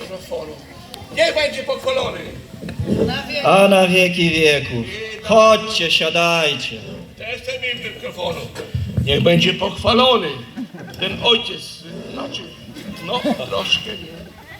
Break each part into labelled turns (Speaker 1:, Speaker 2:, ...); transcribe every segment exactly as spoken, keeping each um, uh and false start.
Speaker 1: mikrofonu. Niech będzie pochwalony.
Speaker 2: A na wieki wieków. Chodźcie, siadajcie.
Speaker 1: Też chcę mieć mikrofonu. Niech będzie pochwalony. Ten ojciec, znaczy, no troszkę nie.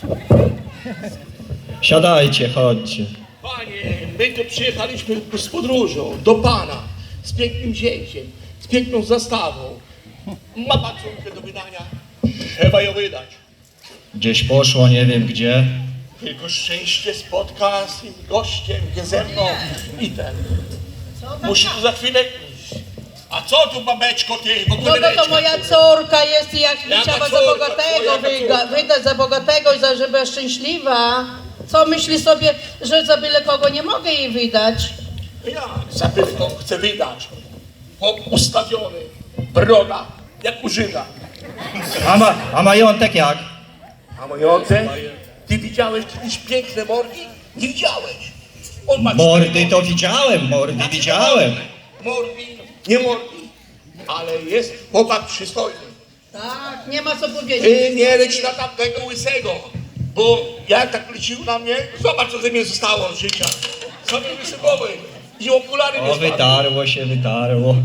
Speaker 2: Siadajcie, chodźcie.
Speaker 1: Panie, my tu przyjechaliśmy z podróżą do Pana, z pięknym zięciem, z piękną zastawą. Ma Pan córkę do wydania? Trzeba ją wydać.
Speaker 2: Gdzieś poszło, nie wiem gdzie.
Speaker 1: Tylko szczęście spotka z tym gościem, nie ze mną i ten. Musi tu za chwilę iść. A co tu, babeczko, ty w
Speaker 3: No
Speaker 1: ogóle
Speaker 3: to, to
Speaker 1: lecisz?
Speaker 3: moja córka jest i jak
Speaker 1: Jaka
Speaker 3: chciała za
Speaker 1: córka?
Speaker 3: bogatego
Speaker 1: Jaka
Speaker 3: wyga,
Speaker 1: córka?
Speaker 3: wydać za bogatego i za żeby była szczęśliwa. Co myśli sobie, że za byle kogo nie mogę jej wydać?
Speaker 1: Ja za tylko chcę wydać. Chłop ustawiony, broda, jak u Żyda.
Speaker 2: A, ma, a majątek jak?
Speaker 1: A majątek? Ty widziałeś kiedyś piękne morgi? Nie widziałeś. On ma
Speaker 2: Mordy
Speaker 1: cztery
Speaker 2: to widziałem, mordy widziałem.
Speaker 1: Morgi, nie morgi, ale jest chłopak przystojny.
Speaker 3: Tak, nie ma co powiedzieć.
Speaker 1: Ty nie leć na tamtego łysego, bo jak tak lecił na mnie, zobacz co ze mnie zostało od życia. Sobie łysy głowy i okulary nie
Speaker 2: O,
Speaker 1: spadły.
Speaker 2: wytarło się, wytarło.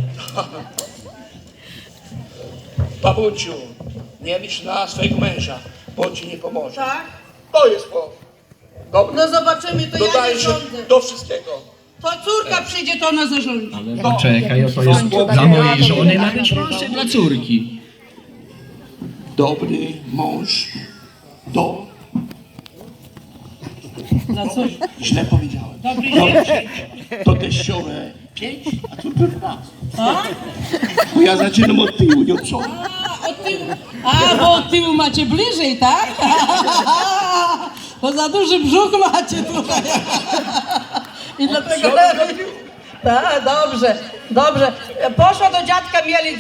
Speaker 1: Babunciu, nie licz na swojego męża, bo on ci nie pomoże.
Speaker 3: Tak?
Speaker 1: To jest chłop. Dobry.
Speaker 3: No zobaczymy, to ja nie
Speaker 1: Dodaje się
Speaker 3: rządzę.
Speaker 1: do wszystkiego.
Speaker 3: To córka przyjdzie, to ona zarządzi.
Speaker 4: Ale poczekaj, to jest dla mojej żony, ma być proszę dla córki.
Speaker 1: Dobry mąż do...
Speaker 3: Dla córki.
Speaker 1: Źle powiedziałem.
Speaker 3: Dobry
Speaker 1: Dobrze. To teściowe pięć, a córka dwanaście.
Speaker 3: A?
Speaker 1: Bo ja zaczynam od tyłu, nie od przodu.
Speaker 3: A, od tyłu. A, bo od tyłu macie bliżej, tak? Bo za duży brzuch macie tutaj. I dlatego lepiej. Tak, dobrze, dobrze. Poszła do dziadka mieli